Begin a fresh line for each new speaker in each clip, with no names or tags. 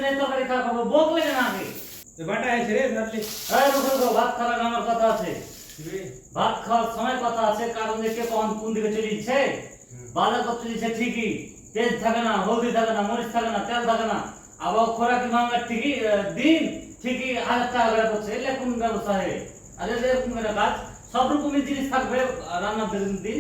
নেই তরকারি খাওয়া খাবো বক লাগে না আগে
তো বাটা আছে রে ভাবলি
এই রুকো ভাত খাওয়ার আগে আমার কথা আছে ভাত খাওয়ার সময় কথা আছে কারণ দেখে কোন দিকে চলে যাচ্ছে বাজার করতে যাচ্ছে ঠিকই তেল থাকে না হলদি থাকে না মরিচ থাকে না তেল থাকে না আবার খোরাকি মাঙ্গার ঠিকই দিন ঠিকই 1000 টাকা করে পড়ছে এলে কোন ব্যবস্থা হয় আরে এরকম করে কাজ সব রকমের জিনিস থাকবে রান্নার দিন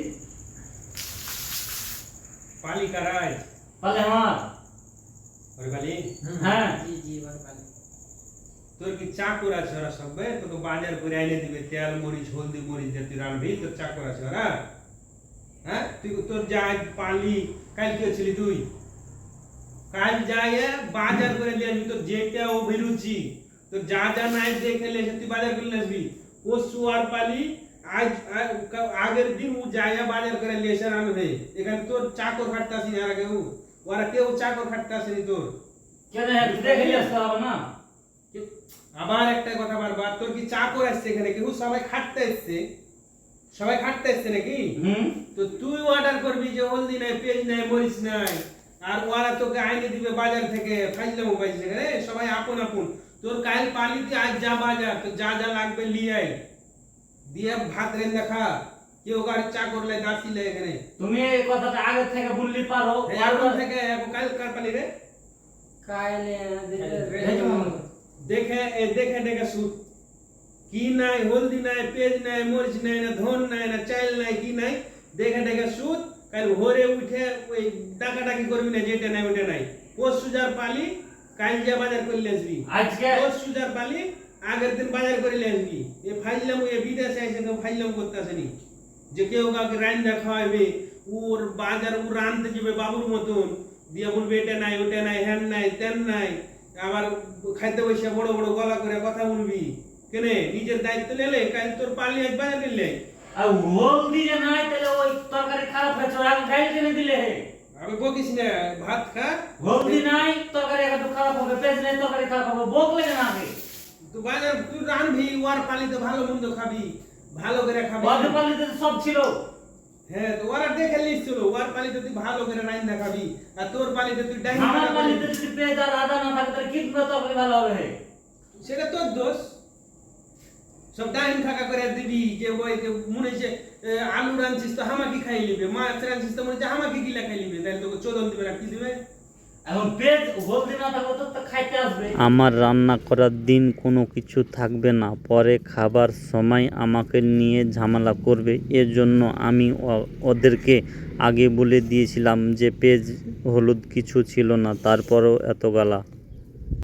পালি কারাই
পালে আমার
ওরে পালি
হ্যাঁ
জি এবার পালি
তোর কি চাকর আছে ওরা সবে তোকে বাজার করে আইনে দিবে তেল মরিচ হলদি মরিচ দিয়ে তুই রান্নবি তোর চাকর আছে ওরা হ্যাঁ তুই তোর যা পালি কাল কি ছিলি তুই কাল যায় বাজার করে নিয়ে আসবি তোর যেটা অভিরুচি তোর যা যা নাই দেখে লেসে তুই বাজার করে নিয়ে আসবি পরশু আর পালি আজ আগের দিন ও যায় বাজার করে নিয়ে এসে রান্নবে এখানে তোর চাকর খাটতে আসি না কেউ ওরা কেউ চাকর খাটতে আসেনি তোর
কেন দেখে নিয়ে আসতে হবে না
আবার একটা কথা বারবার তোর কি চাকর আসছে এখানে কেউ সবাই খাটতে এসছে সবাই খাটতে এসছে নাকি তো তুই অর্ডার করবি যে হলদি নাই পেঁয়াজ নাই মরিচ নাই আর ওরা তোকে আইনে দিবে বাজার থেকে ফাইজলামো পাইছে রে সবাই আপন আপন তোর কাল পালিতে আজ যা বাজার তো যা যা লাগবে নিয়ে আয় দিয়ে ভাত রেন্দা খা কেউ গাড়ি চাকর লাই দাসি লাই এখানে
তুমি এই কথাটা আগে থেকে বললি পারো
এখন থেকে কাল কার পালি রে
কাইলে
দেখে দেখে দেখে শুট কি নাই হলদি নাই পেঁয়াজ নাই মরিচ নাই না ধন নাই না চাল নাই কি নাই দেখে দেখে শুট কাল ভোরে উঠে ওই ডাকাডাকি করবি না যেটা নাই ওটা নাই পরশু যার পালি কাল যা বাজার করে আসবি
আজকে
পরশু যার পালি আগের দিন বাজার করে আসবি এ ফাইলাম এ বিদেশে এসে কেউ ফাইলাম করতে আসেনি যে কেউ কাউকে রান্না খাওয়াবে ওর বাজার ও রানতে যাবে বাবুর মতন দিয়ে বলবে এটা নাই ওটা নাই হ্যান নাই তেন নাই আবার খাইতে বসে বড় বড় গলা করে কথা বলবি কেনে নিজের দায়িত্ব নিলে কাল তোর পালি আজ বাজার নিলে
আর হলদি যে নাই তাহলে ওই তরকারি খারাপ হয়েছে এখন গাইল কেনে দিলে
আমি বকিস না ভাত খা
হলদি নাই তরকারি একটু খারাপ হবে পেঁয়াজ নাই তরকারি খারাপ হবে বক লাগে না আগে
তুই বাজার তুই রানবি ওর পালিতে ভালো মন্দ খাবি ভালো করে খাবি
ওদের পালিতে সব ছিল
হ্যাঁ তো ওরা দেখে লিখছিল ওর পালিতে তুই ভালো করে রান্না খাবি আর তোর পালিতে তুই ডাইনি
আমার পালিতে যদি পেঁয়াজ আর আদা না থাকে তাহলে কি করে তরকারি ভালো হবে
সেটা তোর দোষ সব ডাইন থাকা করে দিবি যে ওই যে মনে হচ্ছে আলু রাঁধছিস তো হামাকি খাই লিবে মাছ রাঁধছিস তো মনে হচ্ছে হামাকি গিলা খাই লিবে তাহলে তোকে চোদন দিবে না কি দিবে
এখন পেঁয়াজ হলদি না থাকলে তো খাইতে আসবে
আমার রান্না করার দিন কোনো কিছু থাকবে না, পরে খাবার সময় আমাকে নিয়ে ঝামেলা করবে। এর জন্য আমি ওদেরকে আগে বলে দিয়েছিলাম যে পেঁয়াজ হলুদ কিছু ছিল না, তারপরেও এত গালা।